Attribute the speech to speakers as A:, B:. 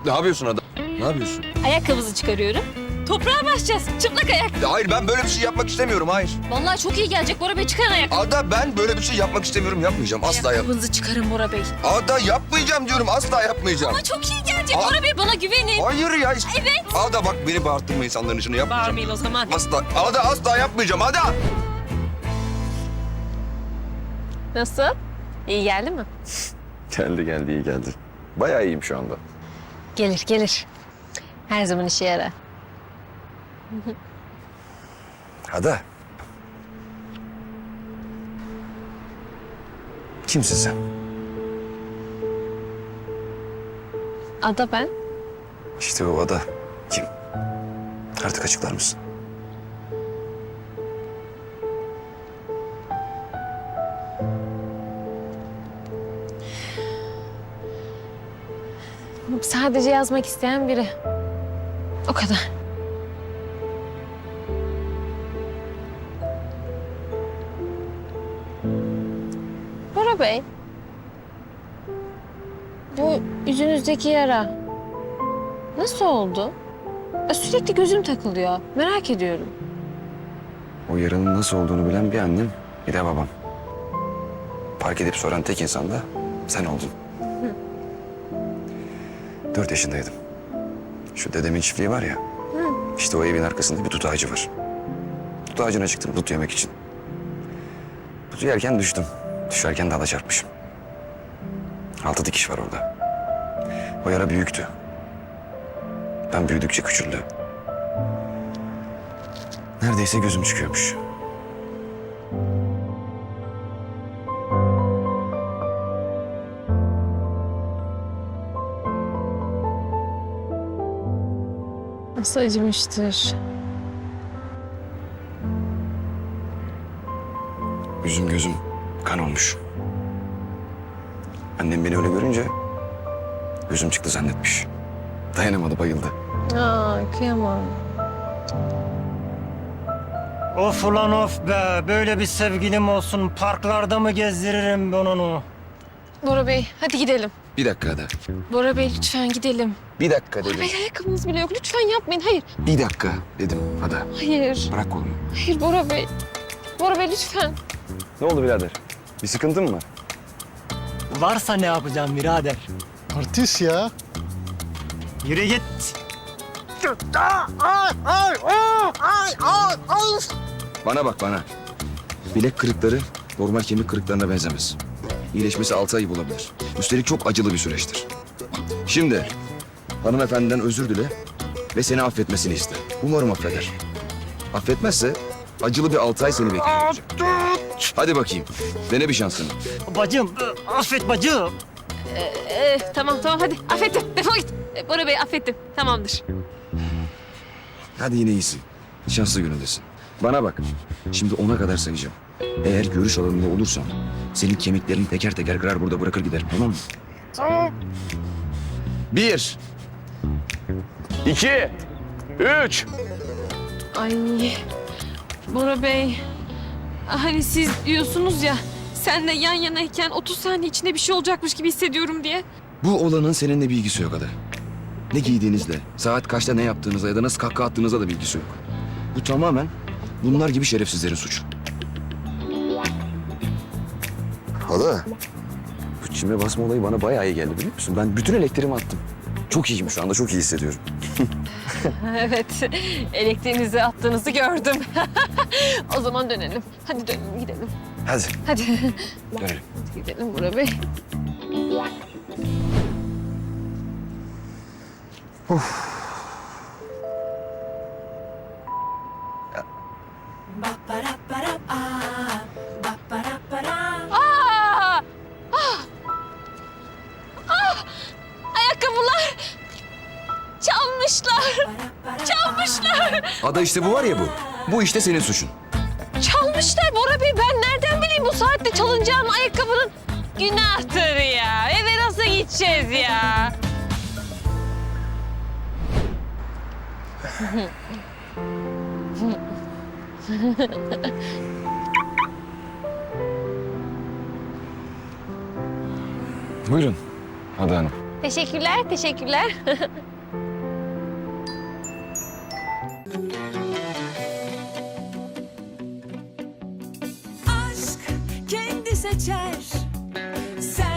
A: Ne yapıyorsun adam? Ne yapıyorsun?
B: Ayakkabımızı çıkarıyorum. Toprağa basacağız. Çıplak ayak.
A: Ya hayır, ben böyle bir şey yapmak istemiyorum, hayır.
B: Vallahi çok iyi gelecek Bora Bey. Çıkarın ayakkabı.
A: Ada, ben böyle bir şey yapmak istemiyorum, yapmayacağım. Asla yap.
B: Ayakkabınızı çıkarın Bora Bey.
A: Ada, yapmayacağım diyorum, asla yapmayacağım.
B: Ama çok iyi gelecek
A: Aa.
B: Bora Bey. Bana güvenin.
A: Hayır ya.
B: Evet.
A: Ada bak, beni bağırttırma insanların içine, yapmayacağım.
B: Bağırmayın o zaman.
A: Asla, Ada asla yapmayacağım, Ada.
B: Nasıl? İyi geldi mi?
A: Geldi, iyi geldi. Bayağı iyiyim şu anda.
B: Gelir. Her zaman işe yarar.
A: Ada. Kimsin sen?
B: Ada ben.
A: İşte o Ada. Kim? Artık açıklar mısın?
B: Sadece yazmak isteyen biri. O kadar. Bora Bey. Bu yüzünüzdeki yara nasıl oldu? Sürekli gözüm takılıyor. Merak ediyorum.
A: O yaranın nasıl olduğunu bilen bir annem, bir de babam. Fark edip soran tek insan da sen oldun. 4 yaşındaydım. Şu dedemin çiftliği var ya. İşte o evin arkasında bir tut ağacı var. Tut ağacına çıktım tut yemek için. Tutu yerken düştüm. Düşerken dala çarpmışım. 6 dikiş var orada. O yara büyüktü. Ben büyüdükçe küçüldü. Neredeyse gözüm çıkıyormuş.
B: Nasıl acımıştır.
A: Yüzüm gözüm kan olmuş. Annem beni öyle görünce gözüm çıktı zannetmiş. Dayanamadı, bayıldı.
B: Kıyamam.
C: Of ulan of be. Böyle bir sevgilim olsun. Parklarda mı gezdiririm ben onu?
B: Bora Bey hadi gidelim.
A: Bir dakika Ada.
B: Bora Bey lütfen gidelim.
A: Bir dakika
B: Bora
A: dedim.
B: Bey ayakkabınız bile yok. Lütfen yapmayın. Hayır.
A: Bir dakika dedim Ada.
B: Hayır.
A: Bırak kolumu.
B: Hayır Bora Bey. Bora Bey lütfen.
A: Ne oldu birader? Bir sıkıntın mı var?
C: Varsa ne yapacağım birader?
D: Artist ya.
C: Yürü git.
A: Bana bak bana. Bilek kırıkları normal kemik kırıklarına benzemez. İyileşmesi 6 ay bulabilir. Üstelik çok acılı bir süreçtir. Şimdi hanımefendiden özür dile ve seni affetmesini iste. Umarım affeder. Affetmezse acılı bir 6 ay seni bekliyor olacak. Hadi bakayım. Dene bir şansını.
C: Bacım, affet bacım.
B: Tamam hadi. Affettim. Defol git. Bora Bey affettim. Tamamdır.
A: Hadi yine iyisin. Şanslı günündesin. Bana bak. Şimdi 10'a kadar sayacağım. Eğer görüş alanında olursan senin kemiklerini teker teker kırar burada bırakır gider. Tamam mı?
C: Tamam.
A: 1 2 3
B: Ay. Bora Bey. Hani siz diyorsunuz ya senle yan yanayken 30 saniye içinde bir şey olacakmış gibi hissediyorum diye.
A: Bu olanın seninle bilgisi yok Ada. Ne giydiğinizle, saat kaçta ne yaptığınızla ya da nasıl kahkaha attığınızla da bilgisi yok. Bu tamamen bunlar gibi şerefsizlerin suçu. Ada, bu çime basma olayı bana bayağı iyi geldi biliyor musun? Ben bütün elektriğimi attım. Çok iyiyim şu anda, çok iyi hissediyorum.
B: Evet. Elektriğinizi attığınızı gördüm. O zaman dönelim. Hadi dönelim gidelim.
A: Hadi,
B: Hadi.
A: dönelim.
B: Hadi gidelim Bora Bey. Aa! Ayakkabılar! Çalmışlar! Çalmışlar!
A: Ada işte bu var ya bu. Bu işte senin suçun.
B: Çalmışlar Bora Bey. Ben nereden bileyim bu saatte çalınacağım ayakkabının? Günahtır ya. Eve nasıl gideceğiz ya?
A: Buyurun Ada Hanım.
B: Teşekkürler, teşekkürler.
D: aşk kendi seçer. Sen